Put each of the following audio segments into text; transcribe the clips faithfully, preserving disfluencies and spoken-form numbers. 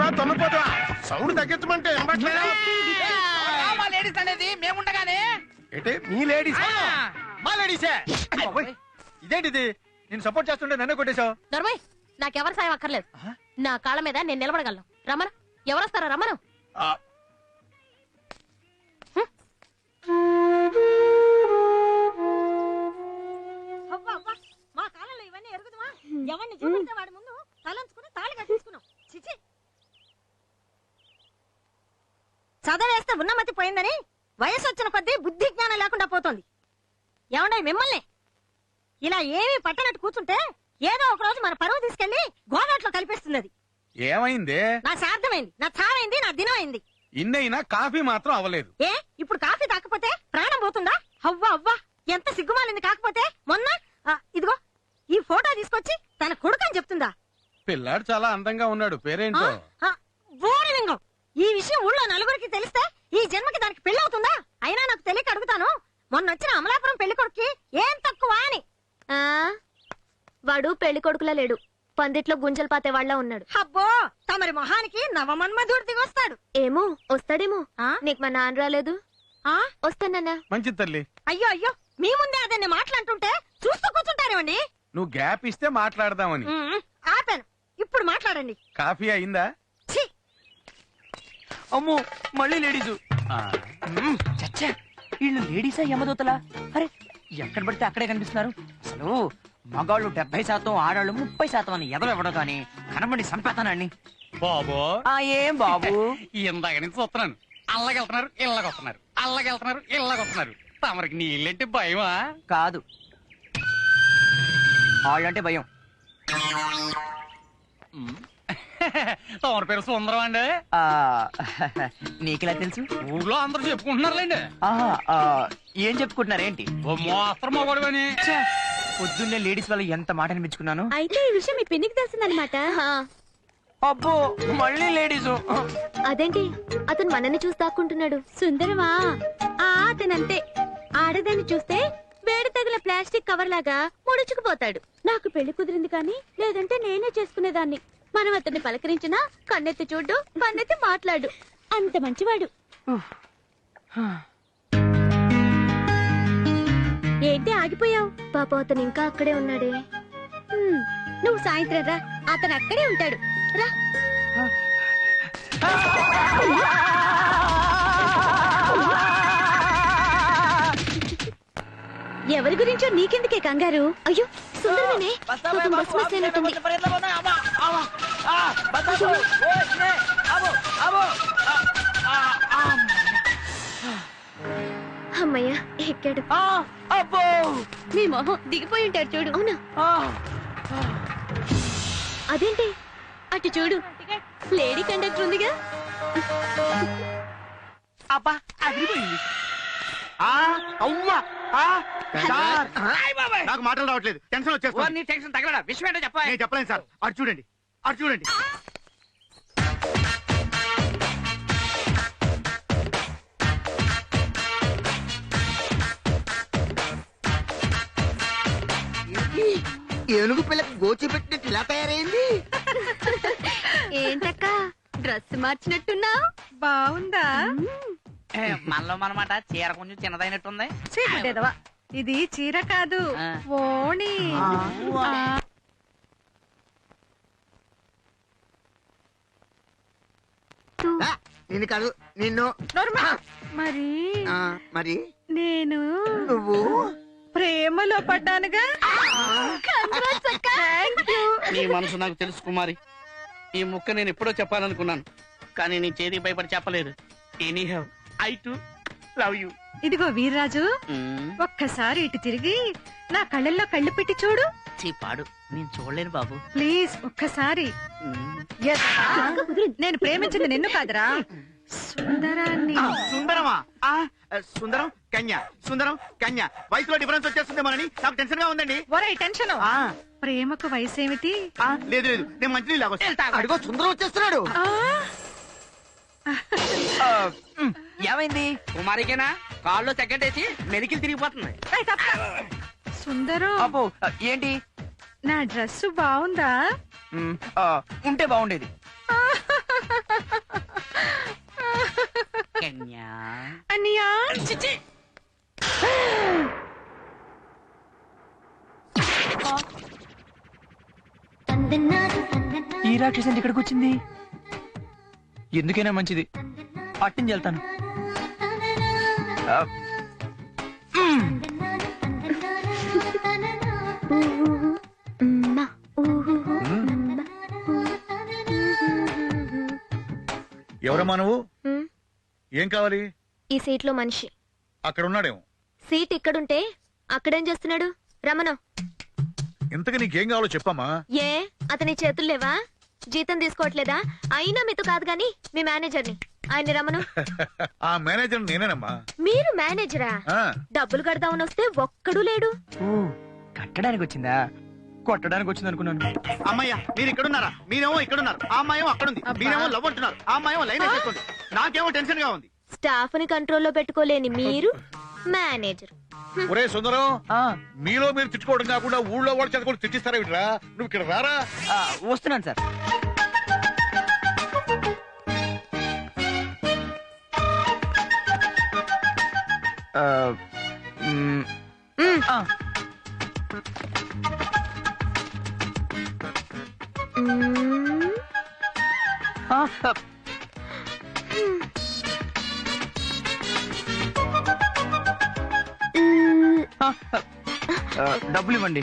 తొమ్మిపోతా sound తగ్గించమంటే ladies అనేది మేముండగానే ఏంటి మీ ladies మా లేడీసే ఇదేంటిది నేను సపోర్ట్ చేస్తుంటే నన్ను కొట్టేశావు. దొరబాయ్ నాకెవరి సాయం అక్కర్లేదు. నా కాళ్ళ మీద నేను నిలబడగలను. రమణ ఎవరొస్తారా? రమణ మా కాలంలో ఇవన్నీ ఎరుగుదమా? ఎవరిని చూపిస్తే వాడి ముందు తలంచుకుని తాళి కట్టించుకున్నాం. చిచి చదవేస్తే ఉన్నమతి పోయిందని వయసు వచ్చిన కొద్దీ బుద్ధి జ్ఞానం లేకుండా పోతుంది. ఏమండే మిమ్మల్ని ఇలా ఏమీ పట్టనట్టు కూర్చుంటే ఏదో ఒక రోజు మన పరువు తీసుకెళ్లి గోదాట్లో కల్పిస్తుంది. అది ఏమైంది? నా శార్థమైంది, నా చావైంది, నా దినం అయింది. ఇన్నైనా కాఫీ మాత్రం అవ్వలేదు. ఏ ఇప్పుడు కాఫీ తాకపోతే ప్రాణం పోతుందా? అవ్వా అవ్వా ఎంత సిగ్గుమాలింది. కాకపోతే మొన్న ఆ, ఇదిగో ఈ ఫోటో తీసుకొచ్చి తన కొడుకని చెప్తుందా? పిల్లాడు చాలా అందంగా ఉన్నాడు. పేరేంటో? బోడిలింగం. ఈ విషయం ఊళ్ళో నలుగురికి తెలిస్తే ఈ జన్మకి దానికి పెళ్లి అవుతుందా? అయినా నాకు తెలియక అడుగుతాను. మొన్న వచ్చిన అమలాపురం పెళ్లి కొడుక్కి ఏం తక్కువ అని. ఆ వాడు పెళ్లి కొడుకులా లేడు, పందిట్లో గుంజలు పాతే వాళ్ళ ఉన్నాడు. అబ్బో తమరి మొహానికి నవమన్మధుడు దిగొస్తాడు. ఏమో వస్తాడేమో. ఆ? నీకు మా నాన్న రాలేదు? ఆ వస్తానన్నా. మంచి తల్లి. అయ్యో అయ్యో మీ ముందే అదన్ని మాట్లాడుతుంటే చూస్తూ కూర్చుంటారేమండి. నువ్వు గ్యాప్ ఇస్తే మాట్లాడదామని. ఉమ్, ఆపాను. ఇప్పుడు మాట్లాడండి. కాఫీ అయిందా? ఛీ అమ్మో మళ్ళీ లేడీసు. చచ్చా వీళ్ళు లేడీసా యమదూతలా? అరే ఎక్కడ పడితే అక్కడే కనిపిస్తున్నారు. అసలు మగాళ్ళు డెబ్బై శాతం ఆడాళ్ళు ముప్పై శాతం అని ఎదలు ఇవ్వడం కానీ కనబడి సంపేతానండి. బాబు ఆ ఏం బాబు ఇందాక నుంచి చూస్తున్నాను. అల్లగెళ్తున్నారు ఇళ్ళకొస్తున్నారు, అల్లగెళ్తున్నారు ఇళ్ళకొస్తున్నారు. తమరికి నీళ్ళంటే భయమా? కాదు వాళ్ళంటే భయం. తమరి పేరు సుందరం అండి. ఆ నీకెలా తెలుసు? ఊర్లో అందరూ చెప్పుకుంటున్నారులేండి. ఆహా, ఆ, ఏం చెప్పుకుంటున్నారేంటి? ఓ మోస్తరు మొగడు అని. పొద్దున్నే లేడీస్ వాళ్ళు ఎంత మాట అనిపించుకున్నాను. అయితే ఈ విషయం మీ పిన్నికి తెలిసిందనమాట. అబ్బో మళ్ళీ లేడీసు. అదేంటి అతను మనల్ని చూసి దాక్కుంటున్నాడు? సుందరమా ఆ అతనంతే. ఆడదాన్ని చూస్తే వేడి తగిన ప్లాస్టిక్ కవర్ లాగా ముడుచుకుపోతాడు. నాకు పెళ్లి కుదిరింది కానీ లేదంటే నేనే చేసుకునేదాన్ని. మనం అతన్ని పలకరించినా కన్నెత్తి చూడు, పన్నెత్తి మాట్లాడు. అంత మంచివాడు. ఏంటి ఆగిపోయావు? పాప అతను ఇంకా అక్కడే ఉన్నాడే. హ్మ్, నువ్వు సాయంత్రం రా, అతను అక్కడే ఉంటాడు. రా. ఎవరి గురించో నీకెందుకే కంగారు? అయ్యో సుందరమేనే, పాపం బస్సు మిస్ అయినట్టుంది. అమ్మయ్య ఎక్కాడు. నీ మొహం దిగిపోయి ఉంటాడు చూడు. అవునా? అదేంటి అటు చూడు, లేడీ కండక్టర్ ఉందిగా. అబ్బా అదిరిపోయింది. నాకు మాటలు రావట్లేదు, టెన్షన్ వచ్చేస్తుంది. నీ టెన్షన్ తగలడా? విషయం ఏంటో చెప్పా. నేను చెప్పలేను సార్. అటు చూడండి, అటు చూడండి. ఏనుగు పిల్లకి గోచి పెట్టినట్టు ఇలా తయారైంది. ఏంటక్క డ్రెస్ మార్చినట్టున్నా? బాగుందా? మనలో మనమాట చీర కొంచెం చిన్నదైనట్టుంది. చీకటేదవా, ఇది చీర కాదు ఓణి. నిన్ను కాదు నిన్ను. మరి ఆ, మరి నేను నువ్వు ప్రేమలో పడ్డానుగా. నీ మనసు నాకు తెలుసు కుమారి. ఈ ముక్క నేను ఎప్పుడో చెప్పాలనుకున్నాను, కానీ నీ చేతి భయపడి చెప్పలేదు. Any have I to love you. ఇదిగో వీర్రాజు, ఒక్కసారి ఇటు తిరిగి నా కళ్ళల్లో కళ్ళు పెట్టి చూడు. పాడు నేను చూడలేను బాబు. ప్లీజ్ ఒక్కసారి. Yes. నేను ప్రేమించింది నిన్ను కాదురా, సుందరాన్ని. సుందరమా? ఆ, సుందరం కన్య, సుందరం కన్య. వయసులో డిఫరెన్స్ వచ్చేస్తుంది మనని నాకు టెన్షన్ గా ఉందండి. ఒరే టెన్షన్. ప్రేమకు వయసు ఏమిటి? లేదు లేదు, నేను మంచి నీళ్ళు అడుగో సుందరం వచ్చేస్తున్నాడు. ఏమైంది? కుమారికేనా కాళ్ళు తగ్గట్టేసి మెలికిలు తిరిగిపోతుంది. సుందరం, అబ్బో ఏంటి? నా డ్రెస్ బాగుందా? ఉంటే బాగుండేది. కన్యా అన్నయ్యా చిచి ఈ రాక్షసి ఇక్కడికి వచ్చింది. ఎందుకైనా మంచిది పట్టించి వెళ్తాను. ఆ, మ్. ఎవరమ్మా నువ్వు? హ్మ్. ఏం కావాలి? ఈ సీట్ లో మనిషి. అక్కడ ఉన్నాడేమో. సీట్ ఇక్కడుంటే అక్కడేం చేస్తున్నాడు? రమణ. ఇంతకు నీకేం కావాలో చెప్పమ్మా. ఏ అతని చేతులు లేవా? జీతం తీసుకోవట్లేదా? అయినా మీతో కాదు గాని మీ మేనేజర్ని. ఆయన రమను. ఆ మేనేజర్ నేనేనమ్మా. మీరు మేనేజరా? ఆ, డబ్బులు కడదామని వస్తే ఒక్కడు లేడు. ఓ, కట్టడానికి వచ్చిందా? కొట్టడానికి వచ్చింది అనుకున్నాను. అమ్మయ్య మీరు ఇక్కడున్నారా? మీరేమో ఇక్కడున్నారు, ఆ అమ్మాయేమో అక్కడుంది. మీరేమో లవ్ అంటున్నారు, ఆ అమ్మాయేమో లైన్ వేసేస్తుంది. నాకేమో టెన్షన్ గా ఉంది. స్టాఫ్ ని కంట్రోల్లో పెట్టుకోలేని మీరు మేనేజర్. ఒరే సుందరం, ఆ, మీలో మీరు తిట్టుకోవడం కాకుండా ఊళ్ళో వాళ్ళు చేత కూడా తిట్టిస్తారా వీటిరా? నువ్వు ఇక్కడ రారా. ఆ, వస్తున్నాను సార్. ఆ, మ్, మ్, ఆ, మ్, ఆ, ఆ, మ్. ఆ, ఆ, డబ్బులు ఇవ్వండి.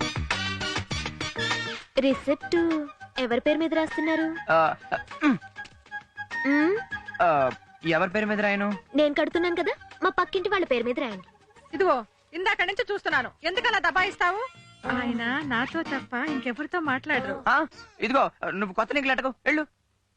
రిసిప్ట్ ఎవరి పేరు మీద రాస్తున్నారు? ఆ, మ్, మ్, ఆ, ఎవరి పేరు మీద రాయను? నేను కడుతున్నాను కదా, మా పక్కింటి వాళ్ళ పేరు మీద రాయండి. ఇదిగో ఇందాక నుంచి చూస్తున్నాను, ఎందుకలా దబాయిస్తావు? ఆయన నాతో తప్ప ఇంకెవరితో మాట్లాడరు. ఆ, ఇదిగో నువ్వు కొత్త నీకు లెటకు వెళ్ళు.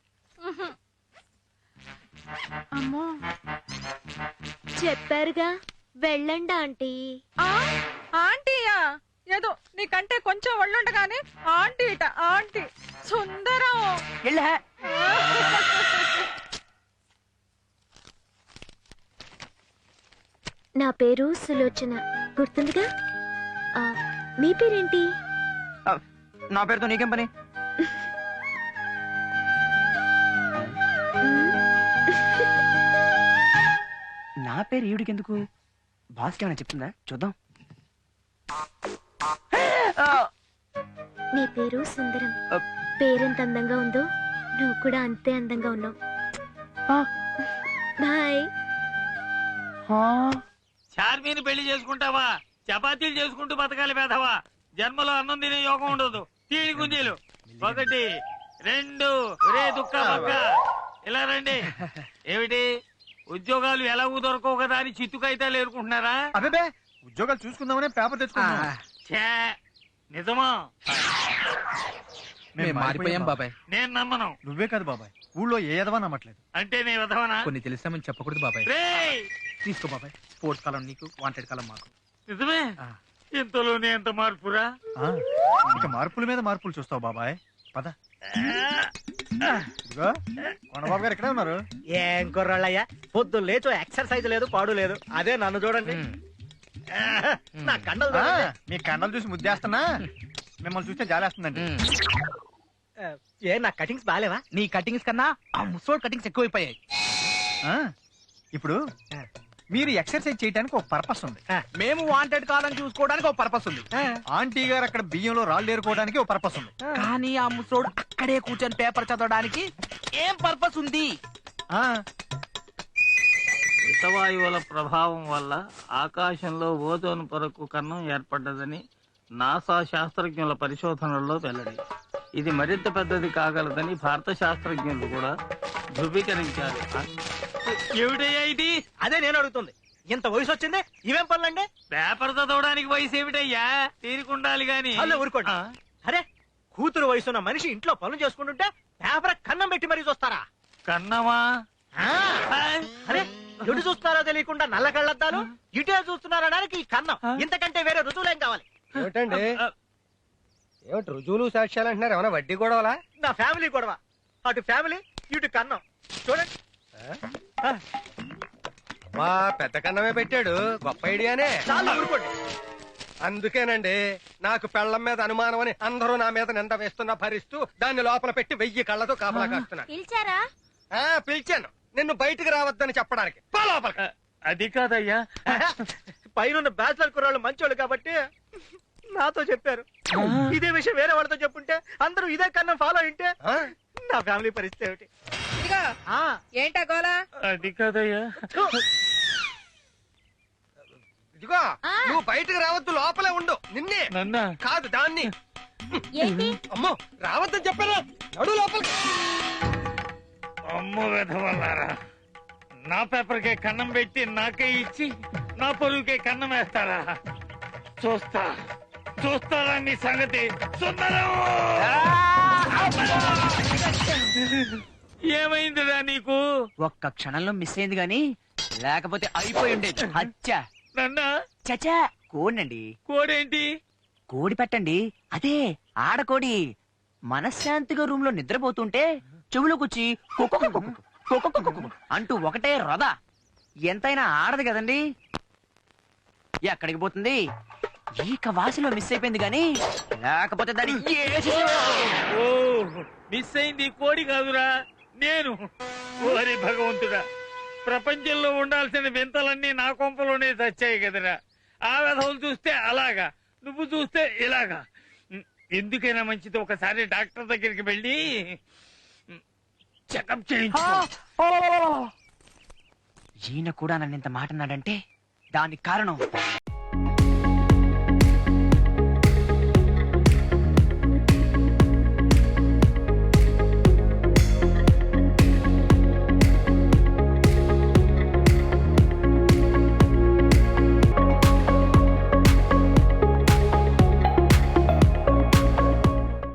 అమ్మో, చెప్పారుగా వెళ్ళండి ఆంటీ. ఆంటీయా? ఏదో నీకంటే కొంచెం ఒళ్ళుండగానే ఆంటీ ఇట ఆంటీ. సుందరం. వెళ్ళా. నా పేరు సులోచన, గుర్తుందిగా? ఆ, మీ పేరేంటి? ఆ, నా పేరుతో నీకేం పని? నా పేరు ఈవిడికి ఎందుకు? బాస్కి ఏమైనా చెప్తుందా? చూద్దాం. ఆ, నీ పేరు సుందరం. ఆ, పేరెంత అందంగా ఉందో నువ్వు కూడా అంతే అందంగా ఉన్నావు. ఆ, బాయ్. ఆ. చార్మీని పెళ్లి చేసుకుంటావా? చపాతీలు చేసుకుంటూ బతకాలి పేదవా? జన్మలో అన్నం తినే యోగం ఉండదు. తీడి గుంజీలు ఒకటి రెండు. రే దుక్క పక్క ఇలా రండి. ఏమిటి ఉద్యోగాలు ఎలాగూ దొరకవు కదా అని చిత్తుకైతే ఏరుకుంటున్నారా? అదే ఉద్యోగాలు చూసుకుందామనే పేపర్ తెచ్చుకున్నా. ఛే, నిజమా? మేము మారిపోయాం బాబాయ్. నేను నమ్మను. నువ్వే కాదు బాబాయ్, ఊళ్ళో ఏ ఎదవా నమ్మట్లేదు. అంటే నీ విధవనా? కొన్ని తెలిసామని చెప్పకూడదు బాబాయ్. రేయ్, తీసుకో బాబాయ్, స్పోర్ట్స్ కాలం నీకు, వాంటెడ్ కాలం మాకు. నిజమే? ఆ. ఇంతలోనే ఎంత మార్పురా? ఆ, ఇక మార్పుల మీద మార్పులు చూస్తావు బాబాయ్. పద. ఇదిగో కొండబాబు గారు ఇక్కడే ఉన్నారు. ఏం కుర్రాళ్ళయ్యా, పొద్దు లేచో ఎక్సర్సైజ్ లేదు, పాడు లేదు. అదే నన్ను చూడండి, నా కండలు ఆ, చూడండి. మీ కండలు చూసి ముద్దేస్తున్నా, మిమ్మల్ని చూస్తే జాలేస్తుందండి. ఏ నా కటింగ్స్ బాగాలేవా? నీ కటింగ్స్ కన్నా ఆ ముసోడ్ కటింగ్స్ ఎక్కువైపోయాయి. ఆ, ఇప్పుడు మీరు ఎక్సర్సైజ్ చేయడానికి ఒక పర్పస్ ఉంది, మేము వాంటెడ్ కాలని చూసుకోవడానికి ఒక పర్పస్ ఉంది, ఆంటీ గారు అక్కడ బియ్యంలో రాళ్ళు ఏరుకోవడానికి ఒక పర్పస్ ఉంది. కానీ ఆ ముసోడు అక్కడే కూర్చొని పేపర్ చదవడానికి ఏం పర్పస్ ఉంది? ఆ హితవాయువుల ప్రభావం వల్ల ఆకాశంలో ఓజోన్ పొరకు కన్నం ఏర్పడ్డదని నాసా శాస్త్రజ్ఞుల పరిశోధనల్లో వెల్లడి. ఇది మరింత పెద్దది కాగలదని భారత శాస్త్రజ్ఞులు కూడా ధృవీకరించారు. ఏమిటయ్యా ఇది? అదే నేను అడుగుతుంది, ఇంత వయసు వచ్చింది ఇవేం పనులండి? పేపర్ చదవడానికి వయసు ఏమిటయ్యా? తీరుకుండాలి గాని. అల్లే ఊరుకోండి. అరే, కూతురు వయసున్న మనిషి ఇంట్లో పనులు చేసుకుంటుంటే పేపర్ కన్నం పెట్టి మరీ చూస్తారా? కన్నమా? ఆ, అరే ఎటు చూస్తున్నారో తెలియకుండా నల్ల కళ్ళద్దాలు, ఇటే చూస్తున్నారనడానికి ఈ కన్నం. ఇంతకంటే వేరే రుజువులేం కావాలి? ఏమిటండి, ఏమిటి రుజువులు సాక్ష్యాలు అంటున్నారు? ఏమైనా వడ్డీ గొడవలా? నా ఫ్యామిలీ గొడవ. అటు ఫ్యామిలీ, ఇటు కన్నం. చూడండి. మా పెద్ద కన్నమే పెట్టాడు, గొప్ప ఐడియానే. చాలా ఊరుకోండి. అందుకేనండి నాకు పెళ్లం మీద అనుమానం అని అందరూ నా మీద నింద వేస్తున్నా భరిస్తూ దాన్ని లోపల పెట్టి వెయ్యి కళ్ళతో కాపలా కాస్తున్నాను. పిలిచారా? ఆ, పిలిచాను. నిన్ను బయటికి రావద్దని చెప్పడానికి పో లోపలికి. అది కాదయ్యా. పైన బ్యాచిలర్ కుర్రాళ్ళు మంచోళ్ళు కాబట్టి నాతో చెప్పారు. ఇదే విషయం వేరే వాళ్ళతో చెప్పుంటే అందరూ ఇదే కన్నా ఫాలో అయింటే నా ఫ్యామిలీ పరిస్థితి ఏమిటి? ఏంటా గోలా? అది కాదయ్యా. ఇదిగో నువ్వు బయటికి రావద్దు, లోపలే ఉండు. నిన్నే నన్నా కాదు దాన్ని. ఏంటి? అమ్మో రావద్దని చెప్పారా? నడు లోపలికి. అమ్మ వెధవల్లారా, నా పేపర్కే కన్నం పెట్టి నాకే ఇచ్చి నా పొరుగుకే కన్నం వేస్తారా? చూస్తా చూస్తారా మీ సంగతి. సుందరం ఏమైందిరా నీకు? ఒక్క క్షణంలో మిస్ అయింది గాని లేకపోతే అయిపోయి ఉండేది. అచ్చా నన్నా చచా కోడినండి. కోడేంటి? కోడి పెట్టండి, అదే ఆడకోడి. మనశ్శాంతిగా రూమ్ లో నిద్రపోతుంటే చెవులోకొచ్చి కుక్కు కుక్కు కుక్కు కుక్కు కుక్కు అంటూ ఒకటే రొద. ఎంతైనా ఆడదు కదండి. ఎక్కడికి పోతుంది? ఈక వాసిలో మిస్ అయిపోయింది గాని లేకపోతే దాని ఓ మిస్ అయింది కోడి కాదురా, నేను. ఓరి భగవంతుడా, ప్రపంచంలో ఉండాల్సిన వింతలన్నీ నా కొంపలోనే చచ్చాయి కదరా. ఆ వెధవులు చూస్తే అలాగా, నువ్వు చూస్తే ఇలాగా. ఎందుకైనా మంచిది ఒకసారి డాక్టర్ దగ్గరికి వెళ్ళి చెకప్ చేయించు. ఈయన కూడా నన్ను ఇంత మాట అన్నాడంటే దానికి కారణం